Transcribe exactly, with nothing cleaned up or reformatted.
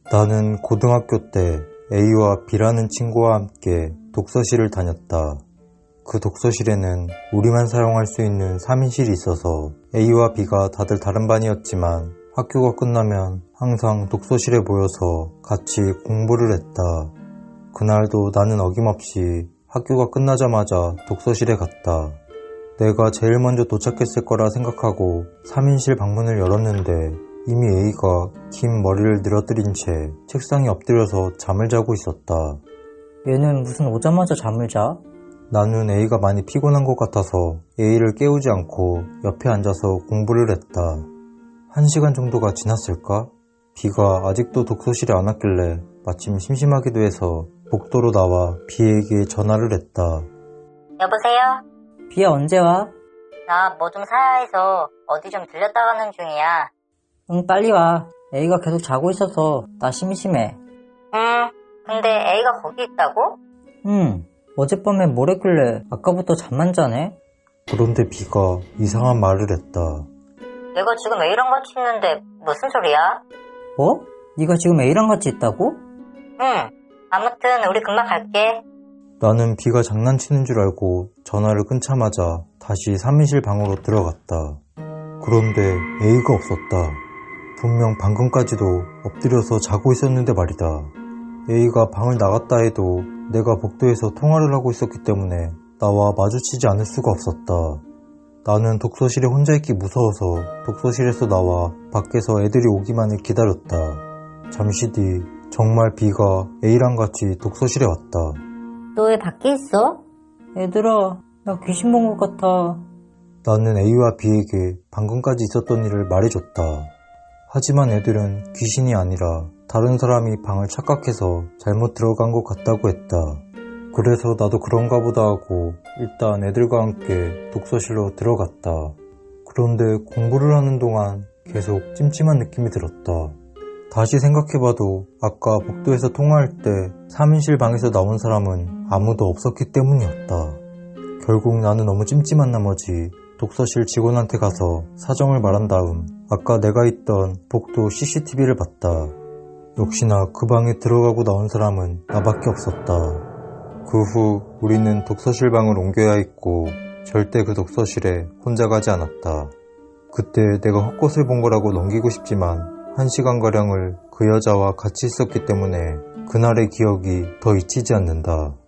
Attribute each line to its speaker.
Speaker 1: 나는 고등학교 때 A와 B라는 친구와 함께 독서실을 다녔다. 그 독서실에는 우리만 사용할 수 있는 삼 인실이 있어서 A와 B가 다들 다른 반이었지만 학교가 끝나면 항상 독서실에 모여서 같이 공부를 했다. 그날도 나는 어김없이 학교가 끝나자마자 독서실에 갔다. 내가 제일 먼저 도착했을 거라 생각하고 삼 인실 방문을 열었는데 이미 A가 긴 머리를 늘어뜨린 채 책상에 엎드려서 잠을 자고 있었다.
Speaker 2: 얘는 무슨 오자마자 잠을 자?
Speaker 1: 나는 A가 많이 피곤한 것 같아서 A를 깨우지 않고 옆에 앉아서 공부를 했다. 한 시간 정도가 지났을까? B가 아직도 독서실에 안 왔길래 마침 심심하기도 해서 복도로 나와 B에게 전화를 했다.
Speaker 3: 여보세요?
Speaker 2: 비야 언제 와?
Speaker 3: 나 뭐 좀 사야 해서 어디 좀 들렸다 가는 중이야.
Speaker 2: 응 빨리 와. A가 계속 자고 있어서 나 심심해.
Speaker 3: 응, 근데 A가 거기 있다고?
Speaker 2: 응. 어젯밤에 뭘 했길래 아까부터 잠만 자네?
Speaker 1: 그런데 B가 이상한 말을 했다.
Speaker 3: 내가 지금 A랑 같이 있는데 무슨 소리야?
Speaker 2: 뭐? 네가 지금 A랑 같이 있다고?
Speaker 3: 응, 아무튼 우리 금방 갈게.
Speaker 1: 나는 B가 장난치는 줄 알고 전화를 끊자마자 다시 삼 인실 방으로 들어갔다. 그런데 A가 없었다. 분명 방금까지도 엎드려서 자고 있었는데 말이다. A가 방을 나갔다 해도 내가 복도에서 통화를 하고 있었기 때문에 나와 마주치지 않을 수가 없었다. 나는 독서실에 혼자 있기 무서워서 독서실에서 나와 밖에서 애들이 오기만을 기다렸다. 잠시 뒤 정말 B가 A랑 같이 독서실에 왔다.
Speaker 3: 너 왜 밖에 있어?
Speaker 2: 얘들아, 나 귀신 본 것 같아.
Speaker 1: 나는 A와 B에게 방금까지 있었던 일을 말해줬다. 하지만 애들은 귀신이 아니라 다른 사람이 방을 착각해서 잘못 들어간 것 같다고 했다. 그래서 나도 그런가 보다 하고 일단 애들과 함께 독서실로 들어갔다. 그런데 공부를 하는 동안 계속 찜찜한 느낌이 들었다. 다시 생각해봐도 아까 복도에서 통화할 때 삼 인실 방에서 나온 사람은 아무도 없었기 때문이었다. 결국 나는 너무 찜찜한 나머지 독서실 직원한테 가서 사정을 말한 다음 아까 내가 있던 복도 씨씨티비를 봤다. 역시나 그 방에 들어가고 나온 사람은 나밖에 없었다. 그 후 우리는 독서실 방을 옮겨야 했고 절대 그 독서실에 혼자 가지 않았다. 그때 내가 헛것을 본 거라고 넘기고 싶지만 한 시간가량을 그 여자와 같이 있었기 때문에 그날의 기억이 더 잊히지 않는다.